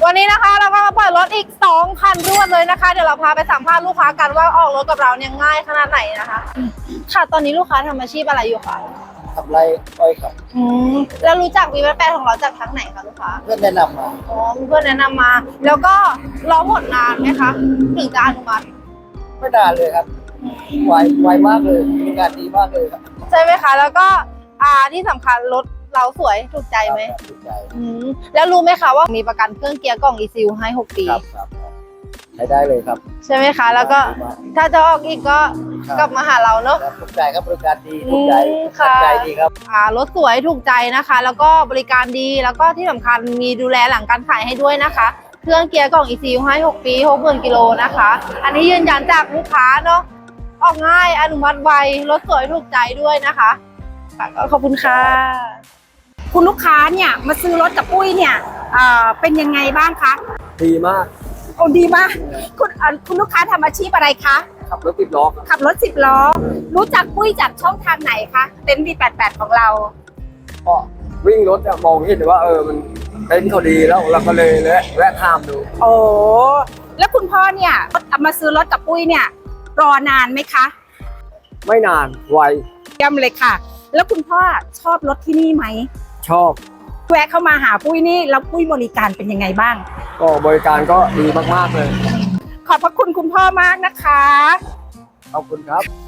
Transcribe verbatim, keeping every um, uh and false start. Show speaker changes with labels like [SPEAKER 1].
[SPEAKER 1] วันนี้นะคะเราก็มาปล่อยรถอีกสองคันรวดเลยนะคะเดี๋ยวเราพาไปสัมภาษณ์ลูกค้ากันว่าออกรถกับเราเนี่ยง่ายขนาดไหนนะคะค่ะตอนนี้ลูกค้าทำอาชีพอะไรอยู่คะ
[SPEAKER 2] ทำไรอ้อยครับ
[SPEAKER 1] อืมแล้วรู้จักวีแปดของเราจากทางไหนคะลูกค้า
[SPEAKER 2] เพื่อนแนะนำมา
[SPEAKER 1] อ๋อเพื่อนแนะนำมาแล้วก็รอผลนานไหมคะถึงจะอนุมัติ
[SPEAKER 2] ไม่นานเลยครับไวไวมากเลยมีงานดีมากเลยครับ
[SPEAKER 1] ใช่ไหมคะแล้วก็อ่าที่สำคัญรถเราสวยถูกใจไหม
[SPEAKER 2] ถูกใจ
[SPEAKER 1] อืมแล้วรู้ไหมคะว่ามีประกันเครื่องเกียร์กล่อง อี ซี ยู ให้หกปี
[SPEAKER 2] ครับครับใช้ได้เลยครับ
[SPEAKER 1] ใช่ไหมคะแล้วก็ถ้าจะออกอีกก็กลับมาหาเราเนาะ
[SPEAKER 2] ถูกใจครับบริการดีถูกใจ
[SPEAKER 1] ค่ะ
[SPEAKER 2] ใจดีครับ
[SPEAKER 1] อ่ารถสวยถูกใจนะคะแล้วก็บริการดีแล้วก็ที่สำคัญมีดูแลหลังการขายให้ด้วยนะคะเครื่องเกียร์กล่อง อี ซี ยู ให้หกปี หกหมื่นกิโลนะคะอันนี้ยืนยันจากลูกค้าเนาะออกง่ายอนุมัติไวรถสวยถูกใจด้วยนะคะขอบคุณค่ะ
[SPEAKER 3] คุณลูกค้าเนี่ยมาซื้อรถกับปุ้ยเนี่ยเป็นยังไงบ้างคะ
[SPEAKER 2] ดีมาก
[SPEAKER 3] โอ้ดีมากคุณคุณลูกค้าทำอาชีพอะไรคะ
[SPEAKER 2] ขับรถสิบล้อ
[SPEAKER 3] ขับรถสิบล้อรู้จักปุ้ยจากช่องทางไหนคะเต็นท์ วี แปดสิบแปดของเรา
[SPEAKER 2] ก็วิ่งรถจะมองเห็นว่าเออมันเต็นท์เขาดีแล้วเราก็เลยแวะข้ามดู
[SPEAKER 3] โอ้แล้วคุณพ่อเนี่ยมาซื้อรถกับปุ้ยเนี่ยรอนานไหมคะ
[SPEAKER 2] ไม่นานไว
[SPEAKER 3] เยี่ยมเลยค่ะแล้วคุณพ่อชอบรถที่นี่ไหม
[SPEAKER 2] ชอบ
[SPEAKER 3] แวะเข้ามาหาปุ้ยนี่แล้วปุ้ยบริการเป็นยังไงบ้าง
[SPEAKER 2] ก็บริการก็ดีมากๆเลย
[SPEAKER 3] ขอบพระคุณคุณพ่อมากนะคะ
[SPEAKER 2] ขอบคุณครับ